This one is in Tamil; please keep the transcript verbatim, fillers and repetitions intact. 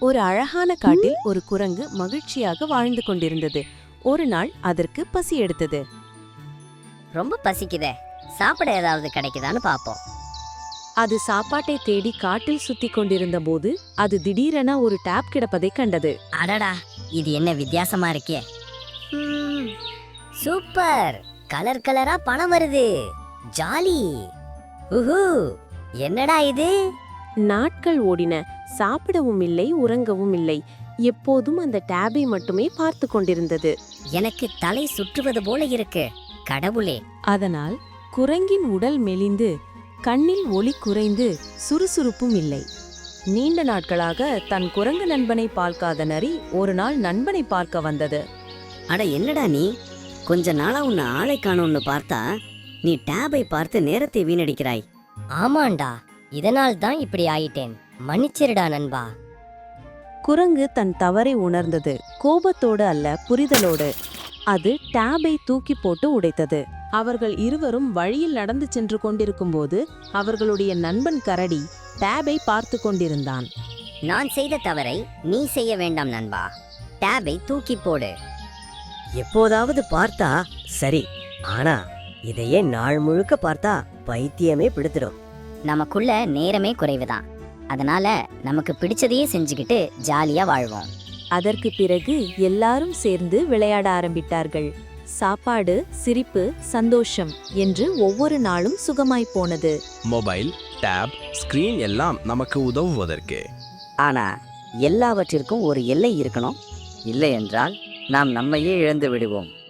ஒரு அழகான காட்டில் ஒரு குரங்கு மகிழ்ச்சியாக வாழ்ந்து கொண்டிருந்தது. ஒரு நாள் அதற்கு பசி எடுத்தது. ரொம்ப பசிக்குதே, சாப்பிட ஏதாவது கிடைக்குதான்னு பாப்போம். அது சாப்பாட்டை தேடி காட்டில் சுத்தி கொண்டிருந்த போது அது திடீரென ஒரு டேப் கிடப்பதை கண்டது. அடடா, இது என்ன வித்தியாசமா இருக்கே. ம், சூப்பர், கலர் கலரா பணம் வருது, ஜாலி. உஹு, என்னடா இது? நாட்கள் ஓடின. சாப்பிடவும் இல்லை, உறங்கவும் இல்லை. எப்போதும் அந்த டேபை மட்டுமே பார்த்து கொண்டிருந்தது. எனக்கு தலை சுற்றுவது போல இருக்கு, கடவுளே. அதனால் குரங்கின் உடல் மெலிந்து, கண்ணில் ஒளி குறைந்து, சுறுசுறுப்பும் இல்லை. நீண்ட நாட்களாக தன் குரங்கு நண்பனை பார்க்காத நரி ஒரு நாள் நண்பனை பார்க்க வந்தது. அட என்னடா நீ, கொஞ்ச நாளா உன்னை ஆளை காணோம்னு பார்த்தா நீ டேபை பார்த்து நேரத்தை வீணடிக்கிறாய். ஆமாண்டா, இதனால் தான் இப்படி ஆயிட்டேன், மன்னிச்சிருடா நண்பா. குரங்கு தன் தவறை உணர்ந்தது. கோபத்தோடு அல்ல, புரிதலோடு. அது டேபை தூக்கி போட்டு உடைத்தது. அவர்கள் இருவரும் வழியில் நடந்து சென்று கொண்டிருக்கும்போது அவர்களுடைய நண்பன் கரடி டேபை பார்த்து கொண்டிருந்தான். நான் செய்த தவறை நீ செய்ய வேண்டாம் நண்பா, டேபை தூக்கி போடு. எப்போதாவது பார்த்தா சரி, ஆனா இதையே நாள் முழுக்க பார்த்தா பைத்தியமே பிடித்திடும். நமக்குள்ள நேரமே குறைவுதான், அதனால நமக்கு பிடிச்சதையே செஞ்சுக்கிட்டு ஜாலியா வாழ்வோம். அதற்கு பிறகு எல்லாரும் சேர்ந்து விளையாட ஆரம்பித்தார்கள். சாப்பாடு, சிரிப்பு, சந்தோஷம் என்று ஒவ்வொரு நாளும் சுகமாய் போனது. மொபைல், டேப், ஸ்கிரீன் எல்லாம் நமக்கு உதவுவதற்கு. ஆனா எல்லாவற்றிற்கும் ஒரு எல்லை இருக்கணும், இல்லை என்றால் நாம் நம்மையே இழந்து விடுவோம்.